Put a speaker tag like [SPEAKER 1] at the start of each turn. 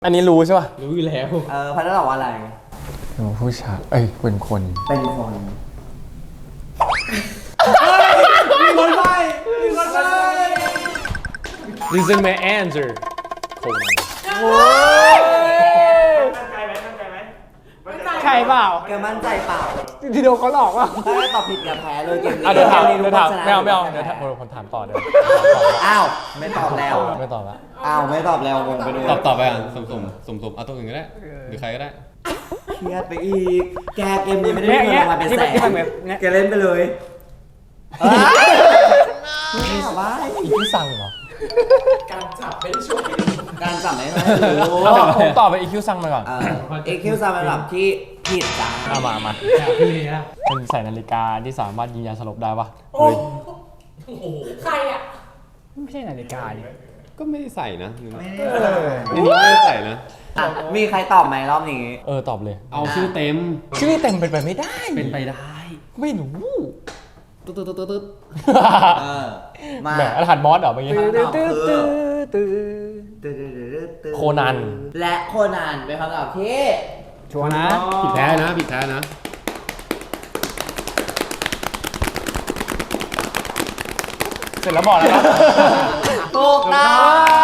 [SPEAKER 1] อันนี้รู้ใช่ป่ะ
[SPEAKER 2] รู้อยู่แล้ว
[SPEAKER 3] พันธุ์ตอบว่าอะไร
[SPEAKER 1] ผู้ชายเอ้ยเป็นคน
[SPEAKER 3] เป็นคน
[SPEAKER 2] มีคนไป
[SPEAKER 1] This is my answer โคนัน
[SPEAKER 2] ใช่เปล่า
[SPEAKER 3] แกมั่นใจเปล่า
[SPEAKER 2] ทีเดียวเขาหลอกว่า
[SPEAKER 3] ถ้าตอบผิดอย่าแพ้เลยเกมนี้
[SPEAKER 1] เดี๋ยวถาม
[SPEAKER 3] ก
[SPEAKER 1] เดี๋ยวถาม
[SPEAKER 3] ชนะ
[SPEAKER 1] ไม่เอาเดี๋ยวผมถามต่อเดี๋ยว
[SPEAKER 3] อ้าวไม่ตอบแล้ว
[SPEAKER 1] ไม่ตอบละ
[SPEAKER 3] อ้าวไม่ตอบแล้วงงไปด้วย
[SPEAKER 4] ตอบไปอ่ะสมเอาตัวอื่นก็ได้หรือใครก็ได้
[SPEAKER 3] เครียดไปอีกแกเกมนี้ไม่ได้เงินรางวัลเป็นแสนแกเล่นไปเลยไม่ถามว่า
[SPEAKER 1] อีกที่สั่งเหรอ
[SPEAKER 3] การจับไม่ได้รู้
[SPEAKER 1] ผมตอบไปอีกคิวสั่งมาก่อน
[SPEAKER 3] เอ็กคิวซาเป็นแบบที่ผิดจ้า
[SPEAKER 1] มา
[SPEAKER 2] อยากพี่เลยอะ
[SPEAKER 1] เป็นใส่นาฬิกาที่สามารถยิงยาสลบได้ปะ
[SPEAKER 5] ใครอ่ะ
[SPEAKER 2] ไม่ใช่นาฬิกาดิ
[SPEAKER 4] ก็ไม่ได้ใส่นะนี่ไม่ได้ใส่นะ
[SPEAKER 3] มีใครตอบไหมรอบนี้
[SPEAKER 1] ตอบเลย
[SPEAKER 4] เอาชื่อเต็ม
[SPEAKER 1] ชื่อเต็มเป็นไปไม่ได้
[SPEAKER 4] เป็นไปได้
[SPEAKER 1] ไม่รู้
[SPEAKER 4] ตึ๊ด
[SPEAKER 3] มา
[SPEAKER 1] แหมรหัสมอสเหรอเมื่อกี้ โคนัน
[SPEAKER 3] และโคนันเป็นคำตอบที่
[SPEAKER 2] ชัวร์นะ
[SPEAKER 4] ผิดแท้นะ
[SPEAKER 1] เสร็จแล้วบอกแล้วนะ
[SPEAKER 3] ถูกต้อง